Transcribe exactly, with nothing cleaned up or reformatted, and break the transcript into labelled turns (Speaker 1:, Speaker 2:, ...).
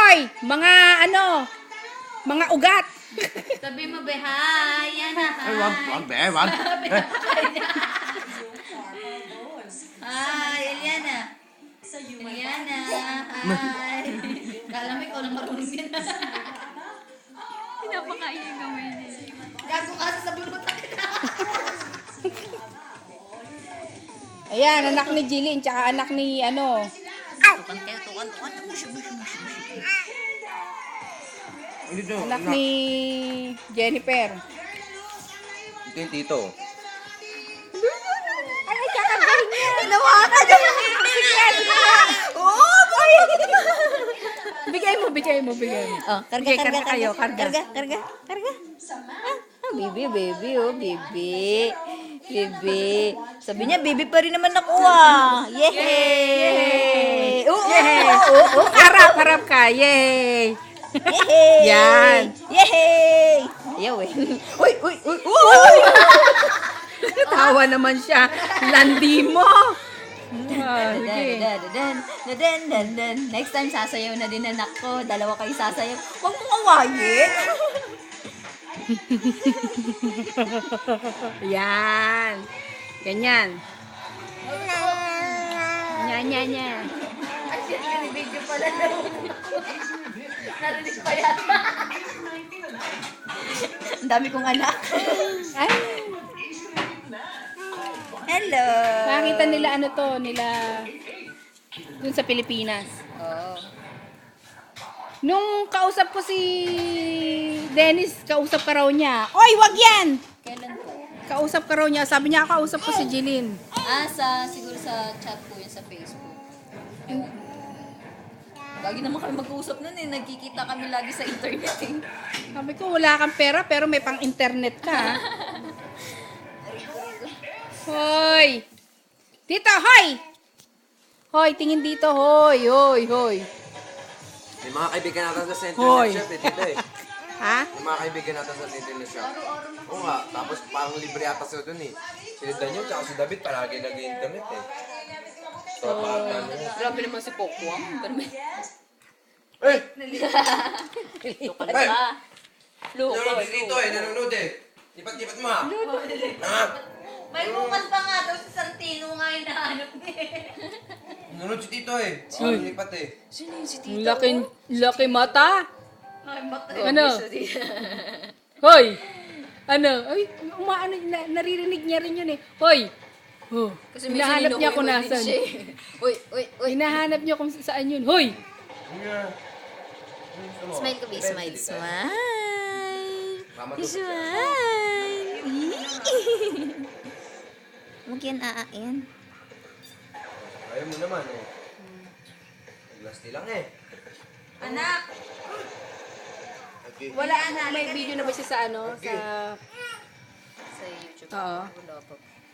Speaker 1: Hoy! Mga ano? Mga ugat.
Speaker 2: Sabi mo, be, hi. Yan na, hi.
Speaker 3: Ay, wag, wag, be, wag.
Speaker 2: Hi, Eliana. Eliana, hi. Kala mo ikaw lang marunong yan.
Speaker 4: Pinapakain yung gamay niya.
Speaker 2: Gago ka sa sabi mo takit.
Speaker 1: Ayan, anak ni Jilin, tsaka anak ni ano.
Speaker 2: Tukan kayo, tukan, tukan. Mushi, mushi, mushi, mushi.
Speaker 3: Dito,
Speaker 1: Anak
Speaker 3: anak.
Speaker 1: ni Jennifer.
Speaker 3: Ito yung tito.
Speaker 1: Ay, kakargahin niya.
Speaker 2: Hinawakan niya. Oh, boy.
Speaker 1: Bigay mo, bigay mo, bigay mo.
Speaker 2: Oh, karga,
Speaker 1: Sige,
Speaker 2: karga,
Speaker 1: karga kayo, karga.
Speaker 2: Karga, karga, karga. Ah, ah, baby, baby, oh, baby. Baby. Sabi niya, baby pa rin naman ako ah. Yehey! Oo,
Speaker 1: Yay!
Speaker 2: oo, oo, oo.
Speaker 1: Harap, harap ka. Yay!
Speaker 2: Yehey!
Speaker 1: Yan.
Speaker 2: Yehey! Ayaw eh. Uy, uy, uy, uy!
Speaker 1: Tawa naman siya. Landi mo. Ah,
Speaker 2: Dadan,
Speaker 1: sige.
Speaker 2: dadan, dadan, dadan. Next time, sasayaw na din anak ko. Dalawa kayo sasayaw. Huwag mong awayin.
Speaker 1: Yan. Ganyan. Nya, nya, nya.
Speaker 2: Ay, video pala daw. Narinig pa yata. Ang dami kong anak.
Speaker 1: Ay,
Speaker 2: Hello.
Speaker 1: makita nila ano to, nila dun sa Pilipinas.
Speaker 2: Oh.
Speaker 1: Nung kausap ko si Dennis, kausap ka raw niya. Oy, wag yan!
Speaker 2: Kailan po?
Speaker 1: Kausap ka raw niya. Sabi niya, kausap ko si Jeline.
Speaker 2: Ah, sa, siguro sa chat po yun sa Facebook. Ewan. Lagi naman kami mag-uusap nun eh. Nagkikita kami lagi sa internet eh.
Speaker 1: Sabi ko, wala kang pera pero may pang-internet ka. ha? Hoy! Dito, hoy! Hoy, tingin dito, hoy, hoy, hoy.
Speaker 3: May mga kaibigan natin sa Central
Speaker 1: Hoy.
Speaker 3: Shop eh, dito eh.
Speaker 1: Ha?
Speaker 3: May mga kaibigan natin sa Central Shop. Oo nga, tapos parang libre ata sila dun eh. Si Daniel tsaka si David palagi nag-internet eh. So, parang ano eh.
Speaker 2: Grabe naman si Pokwang. Pero may...
Speaker 3: Eh!
Speaker 2: Luka
Speaker 3: Hey!
Speaker 2: ka. Luka.
Speaker 3: Nanonood si Tito eh, nanonood eh. Lipat-lipat mo ha. Ha?
Speaker 2: May bukas pa nga daw si Santino nga hinahanap niya.
Speaker 3: Nanonood si Tito eh. Oo, lipat eh.
Speaker 2: Sino yun si
Speaker 1: Ang laki, laki mata.
Speaker 2: Ay, mata.
Speaker 1: Ano? Hoy! Ano? Ay, umaano, na, naririnig niya rin yun eh. Hoy! Oh,
Speaker 2: Kasi may
Speaker 1: hinahanap niya kung
Speaker 2: sinunoy-noy din
Speaker 1: nasan.
Speaker 2: siya eh. Uy, uy, uy.
Speaker 1: Hinahanap niya kung saan yun. Hoy!
Speaker 2: Smile ko, be. Smile. Smile.
Speaker 3: Mama to.
Speaker 2: Smile. Huwag yan aain.
Speaker 3: Ayaw mo naman eh. Naglasti lang eh.
Speaker 2: Anak!
Speaker 3: Okay.
Speaker 1: Wala, may video na ba siya sa ano?
Speaker 3: Okay.
Speaker 1: Sa...
Speaker 2: Sa YouTube.
Speaker 1: Oo.
Speaker 2: Wala pa.